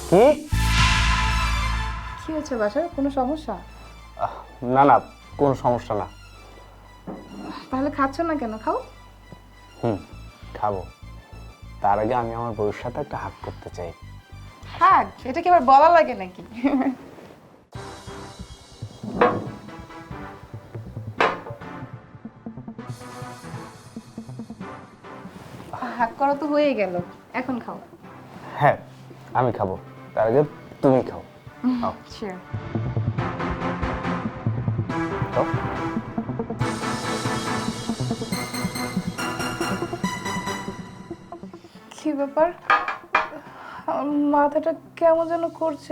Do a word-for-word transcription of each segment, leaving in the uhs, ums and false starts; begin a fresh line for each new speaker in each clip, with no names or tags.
কি
কি হয়েছে বাসার কোনো সমস্যা?
আহ, না না কোনো সমস্যা না।
তাহলে খাচ্ছ না কেন? খাও।
হুম খাবো, তার আগে আমি আমার বউয়ের সাথে একটা হাগ করতে চাই।
হাগ? এটা কি আবার বলা লাগে নাকি? হাগ করা তো হয়ে গেল, এখন খাও।
হ্যাঁ আমি খাবো, তার আগে তুমি খাও। খাও।
শিওর।
খাও।
কি ব্যাপার, আমার মাথাটা কেমন যেন করছে।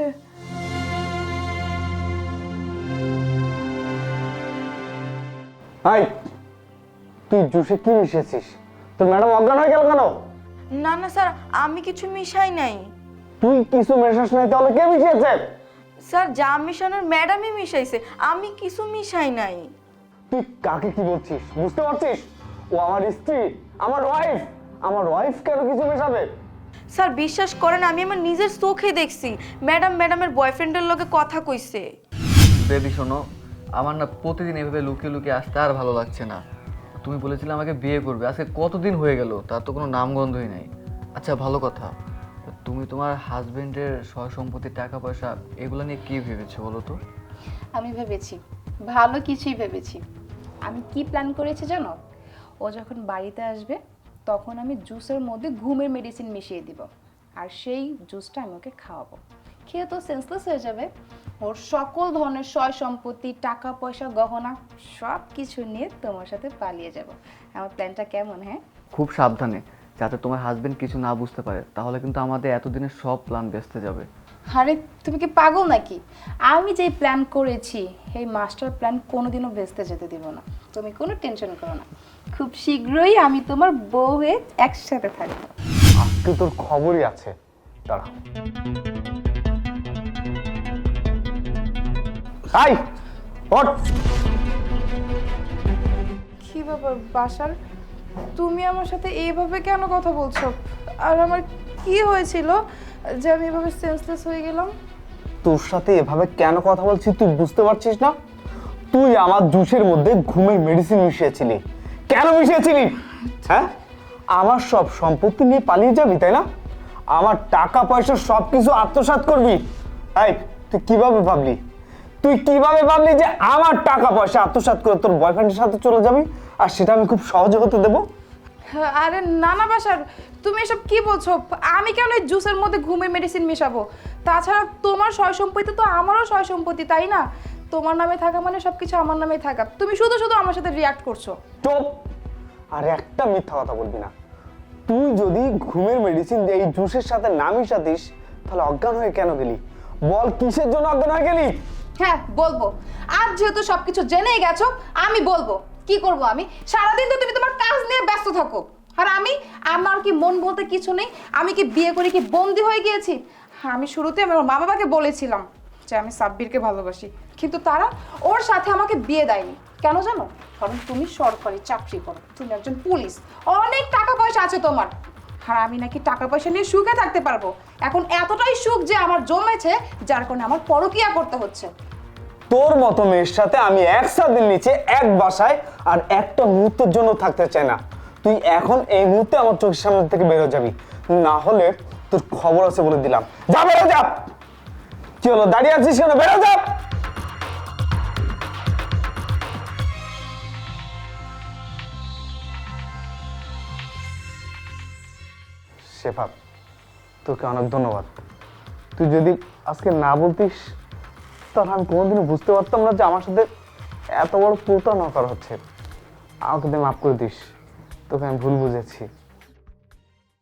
হাই, তুই জুসে কি মিশিয়েছিস? তোর ম্যাডাম অজ্ঞান হয়ে গেল কেন?
না না স্যার, আমি কিছু মিশাই নাই।
তুই কিছু মেশাস নাই তাহলে কে মিশিয়েছে?
স্যার, যা মিশানোর ম্যাডামই মিশাইছে, আমি কিছু মিশাই নাই।
তুই কাকে কি বলছিস বুঝতে পারছিস? ও আমার স্ত্রী, আমার ওয়াইফ। আমার ওয়াইফ কেন কিছু মেশাবে?
স্যার বিশ্বাস করেন, আমি আমার নিজের চোখে দেখছি ম্যাডাম ম্যাডামের বয়ফ্রেন্ডের লগে কথা কইছে।
বেবি শোনো, আমার না প্রতিদিন এভাবে লুকিয়ে লুকিয়ে আসতে আর ভালো লাগছে না। তুমি বলেছিলে আমাকে বিয়ে করবে, আজকে কতদিন হয়ে গেল, তার তো কোনো নামগন্ধই নাই। আচ্ছা ভালো কথা, তুমি তোমার হাজবেন্ডের সয় সম্পত্তি, টাকা পয়সা এগুলো নিয়ে কি ভেবেছো বলো তো?
আমি ভেবেছি, ভালো কিছুই ভেবেছি। আমি কি প্ল্যান করেছি জানো? ও যখন বাড়িতে আসবে তখন আমি জুসের মধ্যে ঘুমের মেডিসিন মিশিয়ে দিব, আর সেই জুসটা আমি ওকে খাওয়াবো। খেয়ে তো সেন্সলেস হয়ে যাবে। ওর সকল ধরনের সয় সম্পত্তি, টাকা পয়সা, গহনা সব কিছু নিয়ে তোমার সাথে পালিয়ে যাব। আমার প্ল্যানটা কেমন? হ্যাঁ,
খুব সাবধানে, যাতে তোমার হাজবেন্ড কিছু না বুঝতে পারে, তাহলে কিন্তু আমাদের এতদিনের সব প্ল্যান ভেস্তে যাবে।
আরে তুমি কি পাগল নাকি? আমি যেই প্ল্যান করেছি এই মাস্টার প্ল্যান কোনোদিনও ভেস্তে যেতে দিব না। তুমি কোনো টেনশন করো না, খুব শীঘ্রই আমি তোমার বউ হয়ে একসাথে থাকবো।
আজকে তোর খবরই আছে, দাঁড়া। হাই ওঠ।
কি ব্যাপার বাসার, তুমি আমার সাথে এইভাবে কেন কথা বলছো? আর আমার কি হয়েছিল যে আমি এভাবে সেন্সলেস হয়ে গেলাম?
তোর সাথে এভাবে কেন কথা বলছিস তুই বুঝতে পারছিস না? তুই আমার জুসের মধ্যে ঘুমের মেডিসিন মিশিয়েছিলি। কেন মিশিয়েছিলি? হ্যাঁ, আমার সব সম্পত্তি নিয়ে পালিয়ে যাবি তাই না? আমার টাকা পয়সা সব কিছু আত্মসাৎ করবি? এই তুই কিভাবে ভাবলি? তুই কিভাবে ভাবলি যে আমার টাকা পয়সা আত্মসাৎ করে তোর বয়ফ্রেন্ডের সাথে চলে যাবি আর সেটা আমি খুব সহজে হতে দেবো?
আরে না না বাসার, তুমি এসব কি বলছো? আমি কেন এই জুসের মধ্যে ঘুমের মেডিসিন মেশাবো? তাছাড়া তোমার সয় সম্পত্তি তো আমারও সয় সম্পত্তি, তাই না? তোমার নামে থাকা মানে সবকিছু আমার নামে থাকা। তুমি শুধু শুধু আমার সাথে রিয়াক্ট করছো।
চুপ! আর একটা মিথ্যা কথা বলবি না। তুই যদি ঘুমের মেডিসিন এই জুসের সাথে না মিশাতিস তাহলে অজ্ঞান হয়ে কেন গেলি? বল কিসের জন্য অজ্ঞান হয়ে গেলি?
হ্যাঁ বলবো, আজ যেহেতু সবকিছু জেনেই গেছো আমি বলবো। কি করব আমি? সারাদিন তো তুমি তোমার কাজ নিয়ে ব্যস্ত থাকো, আর আমি, আমার কি মন বলতে কিছু নেই? আমি কি বিয়ে করে কি বন্দি হয়ে গিয়েছি? হ্যাঁ, আমি শুরুতে আমার মা বাবাকে বলেছিলাম যে আমি সাব্বিরকে ভালোবাসি, কিন্তু তারা ওর সাথে আমাকে বিয়ে দেয়নি। কেন জানো? কারণ তুমি সরকারি চাকরি করো, তুমি একজন পুলিশ, অনেক টাকা পয়সা আছে তোমার। আর আমি নাকি টাকা পয়সা নিয়ে সুখে থাকতে পারবো। এখন এতটাই সুখ যে আমার জমেছে, যার কারণে আমার পরকীয়া করতে হচ্ছে।
তোর মতো মেয়ের সাথে আমি একসাথে নিচে এক বাসায় আর একটা মুহূর্তের জন্য থাকতে চাই না। তুই এখন এই মুহূর্তে আমার চোখের সামনে থেকে বেরো যাবি, না হলে তোর খবর আছে বলে দিলাম। যা বেরো যা। কি হলো দাঁড়িয়ে আছিস কেন? বেরো যা। শেফা, তোকে অনেক ধন্যবাদ। তুই যদি আজকে না বলতিস তাহলে আমি কোনোদিনও বুঝতে পারতাম না যে আমার সাথে এত বড় প্রতারণা করা হচ্ছে। আমাকে তুই মাফ করে দিস, তোকে আমি ভুল বুঝেছি।